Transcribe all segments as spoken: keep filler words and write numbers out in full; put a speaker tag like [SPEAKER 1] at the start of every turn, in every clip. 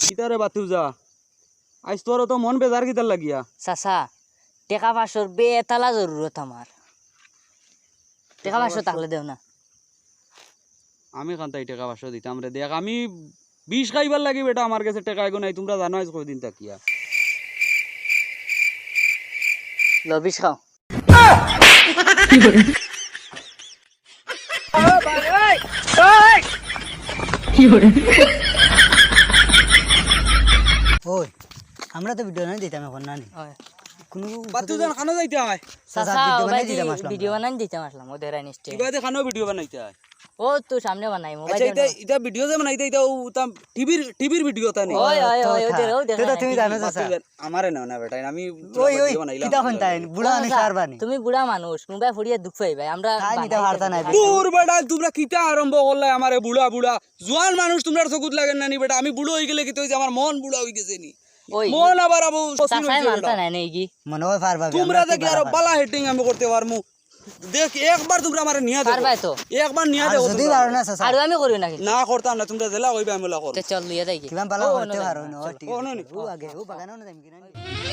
[SPEAKER 1] কিতারে বাতু যা আজ তোর তো মন বেজার কিতার লাগিয়া
[SPEAKER 2] চাচা টেকা পাঁচশোর বেতালা জরুরত আমার টেকা পাঁচশো তাহলে দেও না
[SPEAKER 1] আমি কান্তাই টাকা পাঁচশো দিতাম রে দেখ আমি বিষ খাইবার লাগি বেটা আমার কাছে টাকা এগো নাই তোমরা জানো আজ কয়দিন তাকিয়া
[SPEAKER 2] লবিস খাও
[SPEAKER 3] ওই আমরা তো ভিডিও নাই দিতাম এখন না নি কোনো
[SPEAKER 1] বাতু জান খানো যাইতে হয়
[SPEAKER 2] চাচা
[SPEAKER 3] ভিডিও বানাই
[SPEAKER 2] ওবাইদি
[SPEAKER 3] দিতাম আসলাম
[SPEAKER 2] ভিডিও বানাই দিতাম আসলাম ওদের আইনিস্টে
[SPEAKER 1] ইবাদে খানো ভিডিও বানাইতে হয়
[SPEAKER 2] ও তো সামনে বানাই
[SPEAKER 1] আচ্ছা
[SPEAKER 2] মোবাইল
[SPEAKER 1] এটা এটা ভিডিও যে বানাইতে এটা ও তাম টিভির টিভির ভিডিও তা নেই
[SPEAKER 2] ওই ওই ওই ওদের ও দেখা
[SPEAKER 3] তুমি জানো চাচা
[SPEAKER 1] আমারে না না বেটা আমি
[SPEAKER 3] ওই ওই
[SPEAKER 1] ভিডিও বানাইলাম
[SPEAKER 3] কিতা হন তাই বুড়া আনি সারবানি
[SPEAKER 2] তুমি বুড়া মানুষ কোনবা ফুড়িয়ে দুঃখ পাইবে আমরা
[SPEAKER 3] তাই নিতে পারতা নাই
[SPEAKER 1] দূর বেটা তোমরা কিতা আরম্ভ করলে আমারে বুড়া বুড়া জোয়ান মানুষ তোমরা চকুত লাগে না নি বেটা আমি বুড়ো হই গেলে কি তো আমার মন বুড়া হই গেছে নি
[SPEAKER 2] ওই
[SPEAKER 1] মন আবার আবু
[SPEAKER 2] চাচাই মানতা নাই নাকি
[SPEAKER 3] মনে হয় পারবা
[SPEAKER 1] তোমরা দেখি আরো বালা হেটিং আমি করতে পারমু দেখ একবার তোমরা আমারে নিয়া দেখো
[SPEAKER 2] পারবাই তো
[SPEAKER 1] একবার নিয়া দেখো
[SPEAKER 3] যদি পারো না চাচা
[SPEAKER 2] আর আমি করি নাকি
[SPEAKER 1] না করতাম না তোমরা জেলা হইবে আমি লা করব
[SPEAKER 2] তে চল লইয়া যাই কি
[SPEAKER 3] কিমান বালা করতে পারো না ও ঠিক
[SPEAKER 1] ও নো নি
[SPEAKER 3] ও আগে ও বাগানো না যাইম কিনা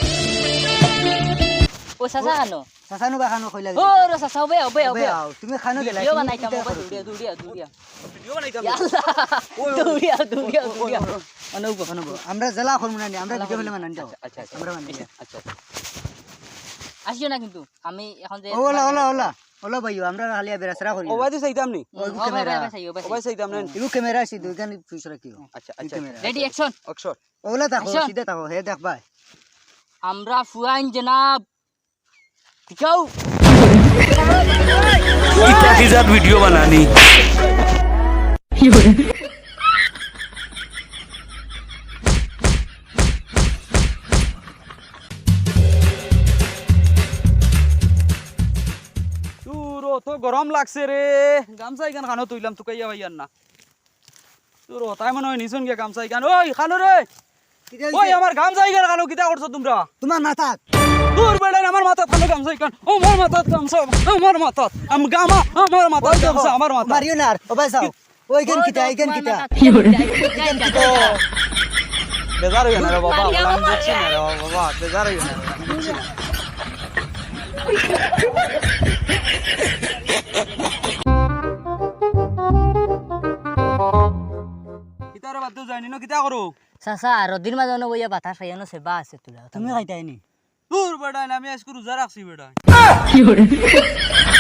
[SPEAKER 2] ও চাচা খানো
[SPEAKER 3] চাচা নু বাগানো কইলা
[SPEAKER 2] ও রে চাচা বে বে বে
[SPEAKER 3] তুমি খানো গেলা
[SPEAKER 2] ভিডিও বানাইতাম মোবাইল দুড়িয়া দুড়িয়া দুড়িয়া
[SPEAKER 1] ভিডিও বানাইতাম
[SPEAKER 2] ইয়াল্লা দুড়িয়া দুড়িয়া দুড়িয়া
[SPEAKER 3] অনুব অনুব আমরা জেলা করব না আমরা ভিডিও ফেলে মানান দাও
[SPEAKER 1] আচ্ছা আচ্ছা
[SPEAKER 3] আমরা মানি
[SPEAKER 1] আচ্ছা
[SPEAKER 2] আসিও না কিন্তু আমি এখন যে
[SPEAKER 3] ওলা ওলা ওলা ওলা ভাইও আমরা হালিয়া বেরাসরা করি
[SPEAKER 1] ও বাইতে চাইতাম নি
[SPEAKER 2] ও ভাই ভাই চাই ও
[SPEAKER 1] ও বাই চাইতাম না
[SPEAKER 3] ইবু ক্যামেরা আছে দুইখান ফিউচার রাখিও
[SPEAKER 1] আচ্ছা আচ্ছা
[SPEAKER 2] রেডি অ্যাকশন
[SPEAKER 1] অক্ষর
[SPEAKER 3] ওলা তাকো
[SPEAKER 2] আচ্ছা।
[SPEAKER 3] সিধা তাকো হে দেখ ভাই
[SPEAKER 2] আমরা ফুয়াইন জনাব টিকাও
[SPEAKER 1] কিতা কিজাত ভিডিও বানানি তোর তো গরম লাগছে রে গামছা ইখান খানো তুইলাম তুকাইয়া ভাইয়ার না তোর তাই মনে হয় নিছুন গে গামছা ইখান ওই খানো রে ওই আমার গামছা ইখান খানো কিতা করছো তোমরা
[SPEAKER 3] তোমার মাথা
[SPEAKER 1] তোর বেড়াই আমার মাথাত খানো গামছা ইখান আমার মাথাত গামছা আমার মাথাত আম গামা আমার মাথাত গামছা আমার মাথা
[SPEAKER 3] মারিও না ও ভাই যাও ওইখান কিটা এইখান কিটা
[SPEAKER 1] বেজার হইয়া না রে বাবা আমি দেখছি না রে বাবা বেজার হইয়া না কিতারে বাদ যায়নি না কিতা করো
[SPEAKER 2] চাচা রদির মাজনে বইয়া বাতা খাইয়ানো সেবা আছে তোলা
[SPEAKER 3] তুমি খাইতাইনি
[SPEAKER 1] তোর বেড়াই আমি আজকে রোজা রাখছি বেড়াই